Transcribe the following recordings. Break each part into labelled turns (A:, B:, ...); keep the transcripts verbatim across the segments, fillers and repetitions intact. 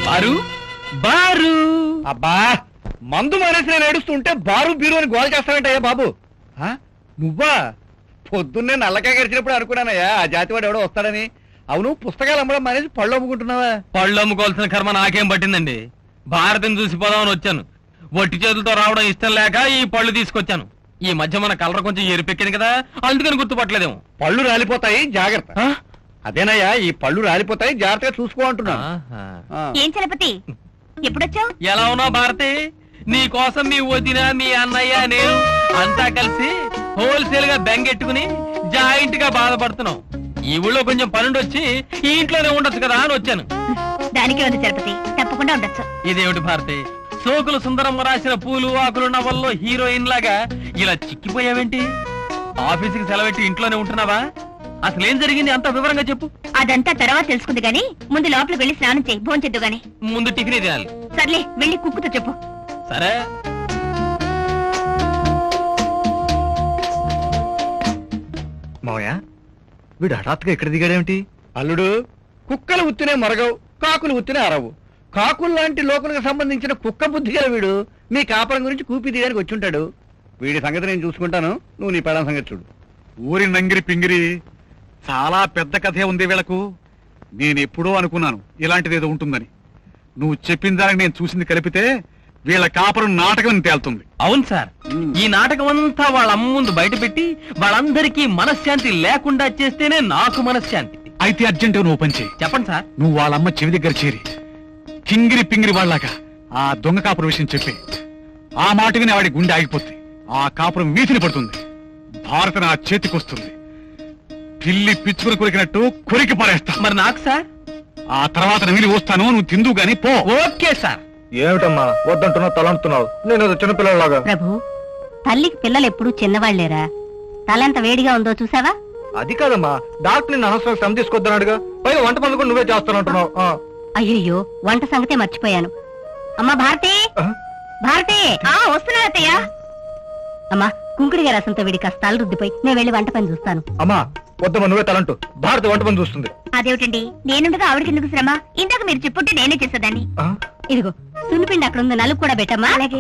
A: బారు బారు.
B: అబ్బా మందు మానేసి నేను ఏడుస్తుంటే బారు బీరు అని గోల చేస్తావేంటయ్యా బాబు? నువ్వా? పొద్దున్నే నల్లకాయ గడిచినప్పుడు అనుకున్నానయ్యా ఆ జాతివాడు ఎవడో వస్తాడని. అవును, పుస్తకాలు అమ్మడం మానేసి పళ్ళు అమ్ముకుంటున్నావా?
A: పళ్ళు అమ్ముకోవాల్సిన కర్మ నాకేం పట్టిందండి. భారతిని చూసిపోదామని వచ్చాను. ఒట్టి చేతులతో రావడం ఇష్టం లేక ఈ పళ్ళు తీసుకొచ్చాను. ఈ మధ్య మన కలర్ కొంచెం ఎరిపెక్కింది కదా, అందుకని గుర్తుపట్టలేదేమో.
B: పళ్ళు రాలిపోతాయి, జాగ్రత్త. అదేనయ్యా, ఈ పళ్ళు రాలిపోతాయి, జాగ్రత్తగా చూసుకో అంటున్నా.
C: ఏం చలపతి, ఎప్పుడొచ్చావు?
A: ఎలా ఉన్నావు భారతి? నీ కోసం మీ వదిన, మీ అన్నయ్య, నేను అంతా కలిసి హోల్సేల్ గా బెంగెట్టుకుని జాయింట్ గా బాధపడుతున్నాం. ఈ ఊళ్ళో కొంచెం పనుండి వచ్చి ఈ ఇంట్లోనే ఉండొచ్చు కదా అని వచ్చాను.
C: దానికే ఉంది చలపతి, తప్పకుండా ఉండొచ్చు.
A: ఇదేమిటి భారతి, సోకులు సుందరమ్మ రాసిన పూలు ఆకులు నవల్లో హీరోయిన్ లాగా ఇలా చిక్కిపోయావేంటి? ఆఫీసుకి సెలవెట్టి ఇంట్లోనే ఉంటున్నావా? అసలేం జరిగింది అంత వివరంగా చెప్పు.
C: అదంతా తర్వాత తెలుసుకుంది గాని ముందు లోపలికి వెళ్ళి స్నానం చేయి, భోంచెద్దు గాని.
A: ముందు టిఫిన్ తినాలి.
C: సర్లే, వెళ్ళి కుక్కుతో చెప్పు.
A: సరే.
B: మావయ్య, వీడు హఠాత్తుగా ఇక్కడ దిగాడేమిటి? అల్లుడు, కుక్కలు ఉత్తినే మరగవు, కాకులు ఉత్తినే అరవు. కాకులు లాంటి లోకులకు సంబంధించిన కుక్క బుద్ధి గల వీడు మీ కాపురం గురించి కూపి తీయడానికి వచ్చి ఉంటాడు. వీడి సంగతి నేను చూసుకుంటాను, నువ్వు నీ పెళ్ళాం సంగతి చూడు.
D: ఊరి నంగిరి పింగిరి, చాలా పెద్ద కథే ఉంది వీళ్లకు. నేనెప్పుడో అనుకున్నాను ఇలాంటిది ఏదో ఉంటుందని. నువ్వు చెప్పిన దానికి నేను చూసింది కలిపితే వీళ్ళ కాపురం నాటకం తేలుతుంది.
A: అవును సార్, ఈ నాటకం అంతా వాళ్ళ అమ్మ ముందు బయట పెట్టి వాళ్ళందరికీ మనశ్శాంతి లేకుండా చేస్తేనే నాకు మనశ్శాంతి.
D: అయితే అర్జెంటుగా నువ్వు పనిచేయి.
A: చెప్పండి సార్.
D: నువ్వు వాళ్ళమ్మ చెవి దగ్గర చేరి కింగిరి పింగిరి వాళ్ళగా ఆ దొంగ కాపురం విషయం చెప్పి ఆ మాట విని వాడి గుండె ఆగిపోతుంది. ఆ కాపురం వీధిని పడుతుంది. భారత నా చేతికొస్తుంది. పిల్లి పిచ్చుకుని కొరికినట్టు కొరికి పారేస్తా.
A: మరి నాకు సార్?
D: ఆ తర్వాత నమిలి వస్తాను, నువ్వు తిందు గాని పో.
A: Okay sir.
B: ఏమిటమ్మా వద్దంటున్నావు, తలంటున్నావు? నేను చిన్నపిల్లలాగా.
C: ప్రభు, తల్లికి పిల్లలు ఎప్పుడు చిన్నవాళ్లేరా? తలంత వేడిగా ఉందో చూసావా?
B: అది కాదమ్మా, డాక్టర్ నిన్ను అనవసరం శ్రమ తీసుకొద్దన్నాడుగా. పైగా వంట పనులు కూడా నువ్వే చేస్తానంటున్నావు.
C: అయ్యయ్యో, వంట సంగతే మర్చిపోయాను. అమ్మా భారతి, భారతి, ఆ వస్తున్నా అత్తయ్య. అమ్మా, కుంకుడిగా రసంతో వీడి కష్టాలు రుద్దిపోయి నేను వెళ్ళి వంట పని చూస్తాను.
B: అమ్మా వద్దమ్మా, నువ్వే తలంటూ. భారతి వంట పని చూస్తుంది.
C: అదేమిటండి, నేనుండగా ఆవిడకి ఎందుకు శ్రమ? ఇందాక మీరు చెప్పుంటే నేనే చేసేదాన్ని. ఇదిగో సున్నిపిండి అక్కడ ఉంది, నలుగు కూడా పెట్టమ్మా. అలాగే.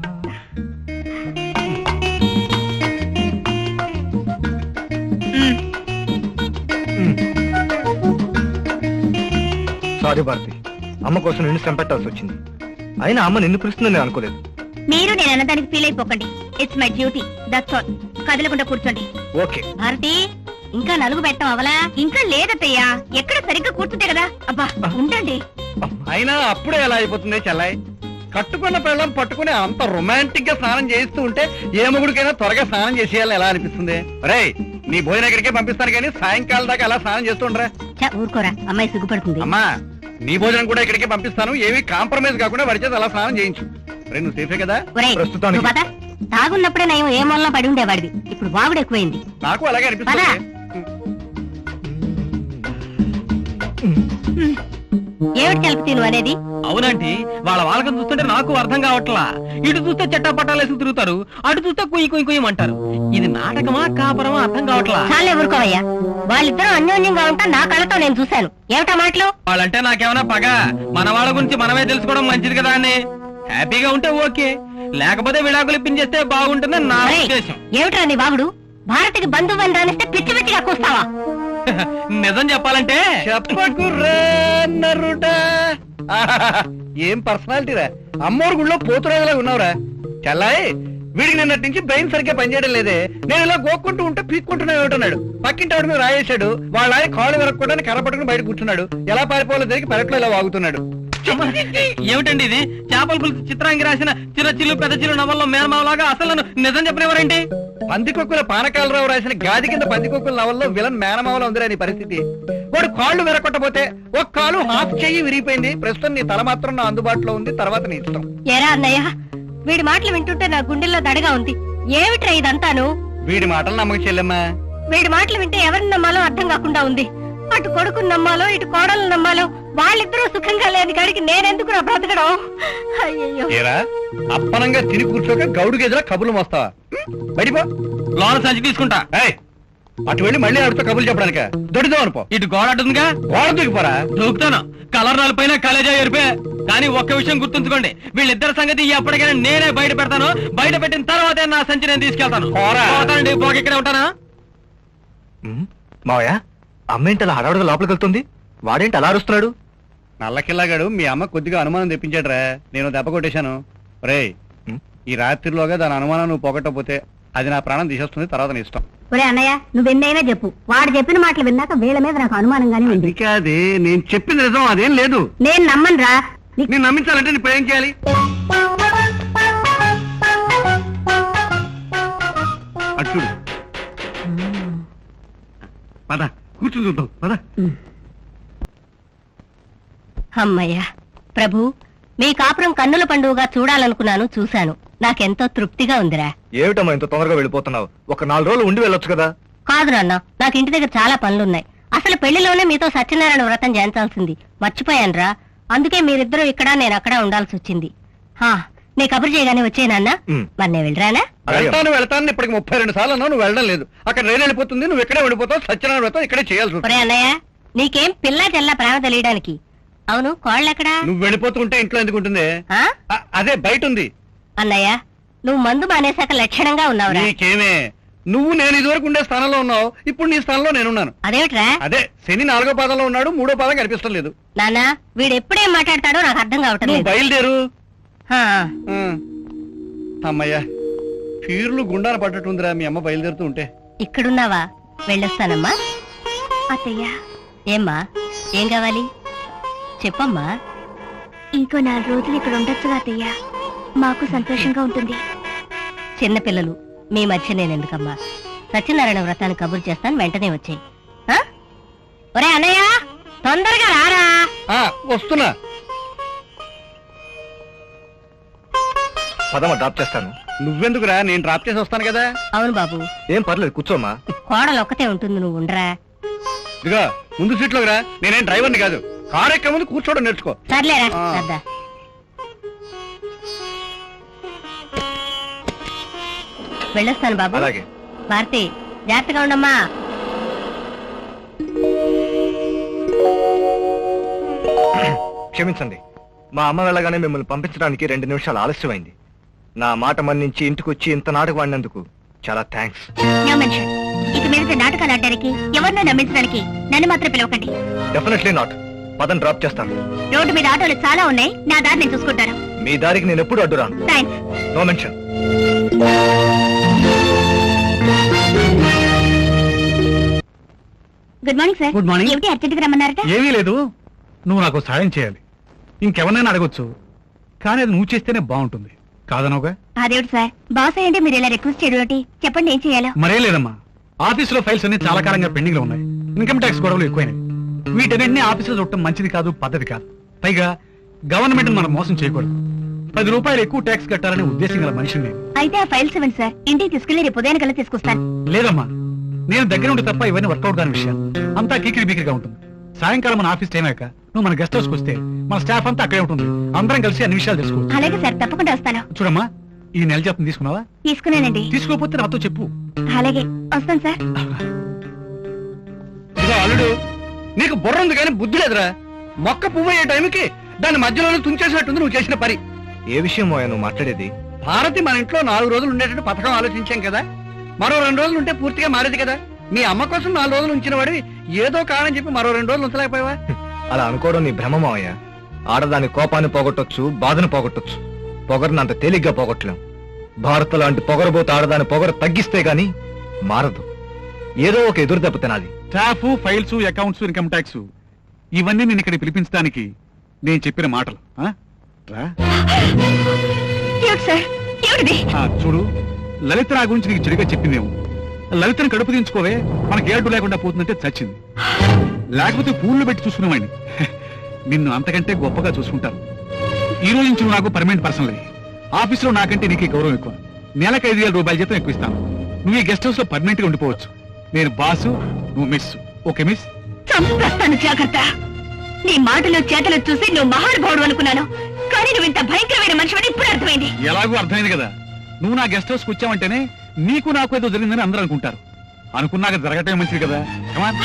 B: సారీ భారతి, అమ్మ కోసం నిన్ను శ్రమ పెట్టాల్సి వచ్చింది. అయినా అమ్మ నిన్ను పిలుస్తుందని నేను అనుకోలేదు.
C: మీరు నేను అన్నదానికి ఫీల్ అయిపోకండి. It's my duty, that's all. కదలకుండా కూర్చోండి.
B: ఓకే.
C: భారతి, ఇంకా నలుగు పెట్టం అవలా? ఇంకా లేదత్తయ్యా, ఎక్కడ సరిగ్గా కూర్చుంటే కదా. అబ్బా ఉండండి.
B: అయినా అప్పుడే ఎలా అయిపోతుంది చెల్లాయి? కట్టుకున్న పిల్లం పట్టుకుని అంత రొమాంటిక్ గా స్నానం చేయిస్తూ ఉంటే ఏ మొగుడికైనా త్వరగా స్నానం చేసేయాలని ఎలా అనిపిస్తుంది? రే, నీ భోజనం ఎక్కడికే పంపిస్తాను కానీ సాయంకాలం దాకా అలా స్నానం చేస్తుండ్రా.
C: ఊరుకోరా, అమ్మాయి సిగ్గుపడుతుంది.
B: అమ్మా, నీ భోజనం కూడా ఇక్కడికే పంపిస్తాను. ఏమీ కాంప్రమైజ్ కాకుండా వాడి చేత అలా స్నానం చేయించు. రే, నువ్వు సేఫే కదా?
C: ప్రస్తుతానికి తాగున్నప్పుడే నయం ఏ మూలన పడి ఉండేవాడివి, ఇప్పుడు వాగుడు ఎక్కువైంది.
B: నాకు అలాగే అనిపిస్తుంది.
C: ఏమిటి కలిపి నువ్వు అనేది?
A: అవునంటే వాళ్ళ వాళ్ళకం చూస్తుంటే నాకు అర్థం కావట్లా. ఇటు చూస్తే చెట్టా పట్టాలేసి తిరుగుతారు, అటు చూస్తే కుయ్యి కుయ్యి కుయ్యమంటారు. ఇది నాటకమా కాపురమా అర్థం కావట్లా.
C: చాలే ఊరుకోవయ్యా, వాళ్ళిద్దరూ అన్యోన్యంగా ఉంటా నా కళ్ళతో నేను చూశాను. ఏమిటా మాటలు?
A: వాళ్ళంటే నాకేమైనా పగ? మన వాళ్ళ గురించి మనమే తెలుసుకోవడం మంచిది కదా అని. హ్యాపీగా ఉంటే ఓకే, లేకపోతే విడాకులు ఇప్పించేస్తే బాగుంటుంది నా ఉద్దేశం.
C: ఏమిట్రా నీ బాగుడు? భారతికి బంధువు అని రానిస్తే పిచ్చి పిచ్చిగా కూస్తావా?
A: నిజం చెప్పాలంటే
B: చెప్పకుర్రా. ఏం పర్సనాలిటీ రా, అమ్మోరు గుళ్ళో పోతురాజులా ఉన్నావురా. చల్లాయి, వీడికి నిన్నటి నుంచి బ్రెయిన్ సరిగ్గా పనిచేయడం లేదే. నేను ఇలా గోక్కుంటూ ఉంటే పీక్కుంటున్నా ఏమిటన్నాడు. పక్కింటి ఆవిడ మీద రాయేశాడు. వాళ్ళ ఆయన కాళ్ళు వెరక్కుండా కర్ర పట్టుకుని బయట కూర్చున్నాడు. ఎలా పారిపోవాలో జరిగి పెరట్లో ఇలా వాగుతున్నాడు.
A: ఏమిటండి ఇది? చేపల పులుసు చిత్రాంగి రాసిన చిన్న చిల్లు పెద్ద చిల్లు నవల్లో మేనమావలాగా అసలు నన్ను నిజం చెప్పినవారేంటి?
B: పందికొక్కుల పానకాలరావు రాసిన గాది కింద పందికొక్కుల నవల్లో విలన్ మేనమావలో ఉందిరా నీ పరిస్థితి. వాడు కాళ్ళు విరగొట్టపోతే ఒక కాలు హాఫ్ చెయ్యి విరిగిపోయింది. ప్రస్తుతం నీ తల మాత్రం నా అందుబాటులో ఉంది, తర్వాత నీ ఇష్టం.
C: ఏరా అన్నయ్య, వీడి మాటలు వింటుంటే నా గుండెల్లో దడగా ఉంది. ఏమిట్రా ఇదంతాను?
B: వీడి మాటలు నమ్మక చెల్లెమ్మా.
C: వీడి మాటలు వింటే ఎవరిని నమ్మాలో అర్థం కాకుండా ఉంది. అటు కొడుకుని నమ్మాలో ఇటు కోడలు నమ్మాలో. వాళ్ళిద్దరూ సుఖంగా లేని కాడికి నేనెందుకు నా బ్రతకడం? అయ్యో,
B: అప్పనంగా తిని కూర్చోక గౌడు గేదెలా కబుర్లు మోస్తావా? బయటిపో.
A: లోన సంచి తీసుకుంటా.
B: అటు వెళ్ళి మళ్ళీ ఆడితో కబుర్లు చెప్పడానిక దొడిదో అనుకో.
A: ఇటు గోడ అడ్డుందిగా,
B: గోడ దూకిపోరా.
A: దూకుతాను. కలర్ నలిపైన కలేజా ఎరిపే. కానీ ఒక్క విషయం గుర్తుంచుకోండి, వీళ్ళిద్దరి సంగతి ఎప్పటికైనా నేనే బయట పెడతాను. బయట పెట్టిన తర్వాతే నా సంచి నేను తీసుకెళ్తాను.
B: పోరా.
A: పోతానండి, పోక ఇక్కడే ఉంటానా?
E: మావయ్య అమ్మేంటి అలా హడావుడిగా లోపలికి వెళ్తుంది? వాడేంటి అలా అరుస్తున్నాడు?
B: నల్లకిల్లాగాడు మీ అమ్మ కొద్దిగా అనుమానం తెప్పించాడురా, నేను దెబ్బ కొట్టేశాను. రేయ్,
E: ఉం?
B: ఈ రాత్రిలోగా దాని అనుమానం నువ్వు పోగొట్టకపోతే అది నా ప్రాణం తీసేస్తుంది, తర్వాత నీ ఇష్టం.
C: ఒరే అన్నయ్య, నువ్వెన్నైనా చెప్పు, వాడు చెప్పిన మాటలు విన్నాక వీళ్ళ మీద నాకు అనుమానంగానే ఉంది.
B: అదే నేను చెప్పింది నిజం, అదేం లేదు.
C: నేను నమ్మను రా.
B: నేను నమ్మించాలంటే నీ ఏం చేయాలి? అటు పద, కూర్చుని చూద్దాం పద.
C: అమ్మయ్యా ప్రభు, మీ కాపురం కన్నుల పండుగగా చూడాలనుకున్నాను, చూశాను. నాకెంతో తృప్తిగా ఉందిరా.
E: ఏమిటమ్మా ఇంత తొందరగా వెళ్ళిపోతున్నావు? ఒక నాలుగు రోజులు ఉండి వెళ్ళొచ్చు కదా.
C: కాదు నాన్న, నాకు ఇంటి దగ్గర చాలా పనులున్నాయి. అసలు పెళ్లిలోనే మీతో సత్యనారాయణ వ్రతం చేయించాల్సింది, మర్చిపోయాను రా. అందుకే మీరిద్దరూ ఇక్కడ, నేను అక్కడ ఉండాల్సి వచ్చింది. హా, నీ కబురు చేయగానే వచ్చేనాన్న.
E: ఉమ్.
C: మరి నేను వెళ్ళరానా?
B: వెళ్తాను వెళ్తాను ఇప్పటికి ముప్పై రెండు సార్లు అన్నావు, నువ్వు వెళ్ళడం లేదు. అక్కడ రైలు వెళ్ళిపోతుంది, నువ్వు ఇక్కడే వెళ్ళిపోతావు. సత్యనారాయణ వ్రతం ఇక్కడే చేయాల్సి ఉంటుంది.
C: ఒరే అన్నయ్య, నీకేం పిల్ల చెల్ల ప్రేమ తెలియడానికి. అవును, కోళ్ళెక్కడా?
B: నువ్వు వెళ్ళిపోతూ ఉంటే ఇంట్లో ఎందుకు ఉంటుంది?
C: ఆ?
B: అ- అదే బయట ఉంది.
C: అన్నయ్య, నువ్వు మందు మానేశాక లక్షణంగా ఉన్నావురా.
B: నీకేమే, నువ్వు నేను ఇదివరకు ఉండే స్థానంలో ఉన్నావు, ఇప్పుడు నీ స్థానంలో నేనున్నాను.
C: అదేమిట్రా?
B: అదే శని నాలుగో పాదంలో ఉన్నాడు, మూడో పాదం కనిపిస్తం లేదు.
C: నాన్న, వీడు ఎప్పుడేం మాట్లాడతాడో నాకు అర్థం కావటం
B: నువ్వు
C: లేదు.
B: బయలుదేరు.
C: హా.
B: ఆ. అమ్మయ్యా, పీర్లు గుండాన పడ్డట్టుందిరా మీ అమ్మ బయలుదేరుతూ ఉంటే.
C: ఇక్కడున్నావా? వెళ్ళొస్తానమ్మా. అత్తయ్యా. ఏమ్మా, ఏం కావాలి చెప్పమ్మా.
F: ఇంకో నాలుగు రోజులు ఇక్కడ ఉండొచ్చుగా అత్తయ్యా, మాకు సంతోషంగా ఉంటుంది.
C: చిన్నపిల్లలు మీ మధ్య నేనెందుకమ్మా? సత్యనారాయణ వ్రతాన్ని కబురు చేస్తాను, వెంటనే వచ్చాయి. ఒరే అన్నయ్య, తొందరగా రారా.
B: ఆ, వస్తున్నా.
E: పదమ్మా డ్రాప్ చేస్తాను.
B: నువ్వెందుకురా, నేను డ్రాప్ చేసి వస్తాను కదా.
C: అవును బాబు,
E: ఏం పర్లేదు కూర్చోమ్మా.
C: కోడలు ఒక్కతే ఉంటుంది, నువ్వు ఉండరా.
B: ఇదిగో ముందు సీట్లోకి రా, నేనేం డ్రైవర్ని కాదు. కారు ఎక్క ముందు కూర్చోవడం నేర్చుకో.
C: సర్లేరా
B: ఆ.
C: సర్దా. వెళ్ళొస్తాను బాబు.
E: అలాగే.
C: భారతి, జాగ్రత్తగా ఉండమ్మా.
E: క్షమించండి, మా అమ్మ వెళ్ళగానే మిమ్మల్ని పంపించడానికి రెండు నిమిషాలు ఆలస్యమైంది. నా మాట మన్నించి ఇంటికి వచ్చి ఇంత నాటకం ఆడినందుకు చాలా థ్యాంక్స్.
F: No mention. ఇక మీద నాటకాలు ఆడడానికి, ఎవరినో నమ్మించడానికి నన్ను మాత్రం పిలవకండి.
E: Definitely not. పదం డ్రాప్ చేస్తాను.
F: రోడ్డు మీద ఆటోలు చాలా ఉన్నాయి, నా దారి నేను చూసుకుంటాను.
E: మీ దారికి నేను ఎప్పుడు అడ్డురాను.
F: Thanks.
E: No mention.
F: Good morning sir.
D: Good morning.
F: ఏమిటి అర్జెంట్గా రమ్మన్నారట?
D: ఏమీ లేదు, నువ్వు నాకు సాయం చేయాలి. ఇంకెవరినైనా అడగొచ్చు, కానీ అది నువ్వు చేస్తేనే బాగుంటుంది. కాదనవుగా?
F: అదేమిటి సార్, బాస్ అయ్యంటే మీరు ఇలా రిక్వెస్ట్ చేయడం ఏంటి? చెప్పండి ఏం చేయాలో.
D: మరే లేదమ్మా, ఆఫీసులో ఫైల్స్ అన్ని చాలా కాలంగా పెండింగ్ లో ఉన్నాయి. ఇన్కమ్ ట్యాక్స్ గొడవలు ఎక్కువైనాయి. వీటన్నింటినీ ఆఫీసులో చూడటం మంచిది కాదు, పద్ధతి కాదు. పైగా గవర్నమెంట్ మనం మోసం చేయకూడదు. పది రూపాయలు ఎక్కువ ట్యాక్స్ కట్టాలనే ఉద్దేశం గల మనిషిని నేను.
F: అయితే ఆ ఫైల్స్ ఇవ్వండి సార్, ఇంటికి తీసుకెళ్లి రేపు ఉదయం కల్లా తీసుకొస్తాను.
D: లేదమ్మా, నేను దగ్గర ఉంటే తప్ప ఇవన్నీ వర్కౌట్ కాని విషయాలు. అంతా కీకిరి బీకిరిగా ఉంటుంది. సాయంకాలం మన ఆఫీస్ టైం అయ్యాక నువ్వు మన గెస్ట్ హౌస్కి వస్తే మన స్టాఫ్ అంతా అక్కడే ఉంటుంది. అందరం కలిసి అన్ని విషయాలు తెలుసుకోవచ్చు.
F: అలాగే సార్, తప్పకుండా వస్తాను.
D: చూడమ్మా, ఈ నెల జీతం తీసుకున్నావా?
F: తీసుకున్నానండి.
D: తీసుకోకపోతే నాతో చెప్పు.
F: అలాగే వస్తాను సార్.
B: ఇదిగో అల్లుడు, నీకు బుర్ర ఉంది కానీ బుద్ధి లేదురా. మొక్క పువ్వు అయ్యే టైంకి దాని మధ్యలోనే తుంచేసినట్టుంది నువ్వు చేసిన పని.
E: ఏ విషయం మోయా నువ్వు మాట్లాడేది?
B: భారతి మన ఇంట్లో నాలుగు రోజులు ఉండేటట్టు పథకం ఆలోచించాం కదా. మరో రెండు రోజులు ఉంటే పూర్తిగా మారేది కదా. మీ అమ్మ కోసం నాలుగు రోజులు ఉంచిన వాడివి ఏదో కారణం చెప్పి మరో రెండు రోజులు ఉంచలేకపోయావా?
E: అలా అనుకోవడం నీ భ్రమ మావయ్య. ఆడదాని కోపాన్ని పోగొట్టొచ్చు, బాధను పోగొట్టొచ్చు, పొగరుని అంత తేలిగ్గా పోగొట్టలేం. భారత లాంటి పొగరబోతు ఆడదాని పొగరు తగ్గిస్తే గాని మారదు. ఏదో ఒక ఎదురు దెబ్బ తినాలి.
D: Staff, files, accounts, income tax ఇవన్నీ నేను ఇక్కడ పిలిపించడానికి నేను చెప్పిన మాటలు. ఆ? రా.
F: ఏమిటి సార్, ఏమిటిది?
D: ఆ, చూడు, లలిత నా గురించి నీకు చెడుగా చెప్పిందేమో. లలితను కడుపు దించుకోవే, మనకి ఏడు లేకుండా పోతుందంటే చచ్చింది. లేకపోతే పూలు పెట్టి చూసుకునేవాడిని. నిన్ను అంతకంటే గొప్పగా చూసుకుంటాను. ఈ రోజు నుంచి నువ్వు నాకు పర్మనెంట్ పర్సన్ లేదు. ఆఫీసులో నాకంటే నీకు గౌరవం ఎక్కువ. నెలకు ఐదు వేల రూపాయల జీతం ఎక్కువ ఇస్తాను. నువ్వు ఈ గెస్ట్ హౌస్ లో పర్మనెంట్ గా ఉండిపోవచ్చు. నేను బాసు, నువ్వు మిస్. Okay miss?
F: చంపేస్తాను, జాగ్రత్త. నీ మాటలు చేతలు చూసి నువ్వు మహానుభావుడు అనుకున్నాను, కానీ నువ్వు ఇంత భయంకరమైన మనిషివని ఇప్పుడు అర్థమైంది.
D: ఎలాగో అర్థమైంది కదా. నువ్వు నా గెస్ట్ హౌస్ కు వచ్చావంటేనే నీకు నాకు ఏదో జరిగిందని అందరూ అనుకుంటారు. అనుకున్నాక జరగటమే మంచిది కదా కమాన్.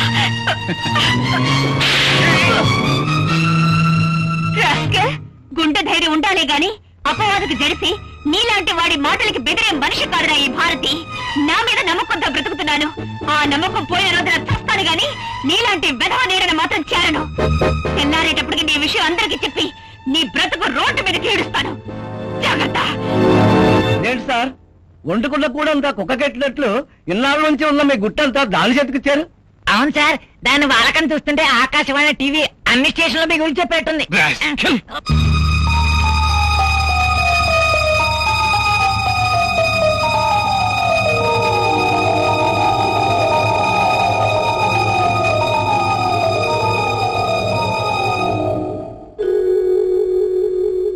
F: రాస్కల్, గుండె ధైర్యం ఉండాలే గాని అపవాదకు జడిసి నీలాంటి వాడి మాటలకి బెదిరే మనిషి కాదురా ఈ భారతి. నా మీద నమ్మకంతో బ్రతుకుతున్నాను. ఆ నమ్మకం పోయే రోజున చస్తాను గాని నీలాంటి వెధవ నీడను మాత్రం చేరను. తెల్లారేటప్పటికి నీ విషయం అందరికీ చెప్పి నీ బ్రతుకు రోడ్డు మీద తీడుస్తాను. జాగ్రత్త.
B: ఏంటి సార్ వండుకున్న కూడా అంతా కుక్కకెట్టినట్లు ఇన్నాళ్ళ నుంచి ఉన్న మీ గుట్టంతా దాని చేతికిచ్చారు?
G: అవును సార్, దాన్ని వాలకం చూస్తుంటే ఆకాశవాణి టీవీ అన్ని స్టేషన్లో మీ గురించి చెప్పేట్టుంది.
D: Rascal.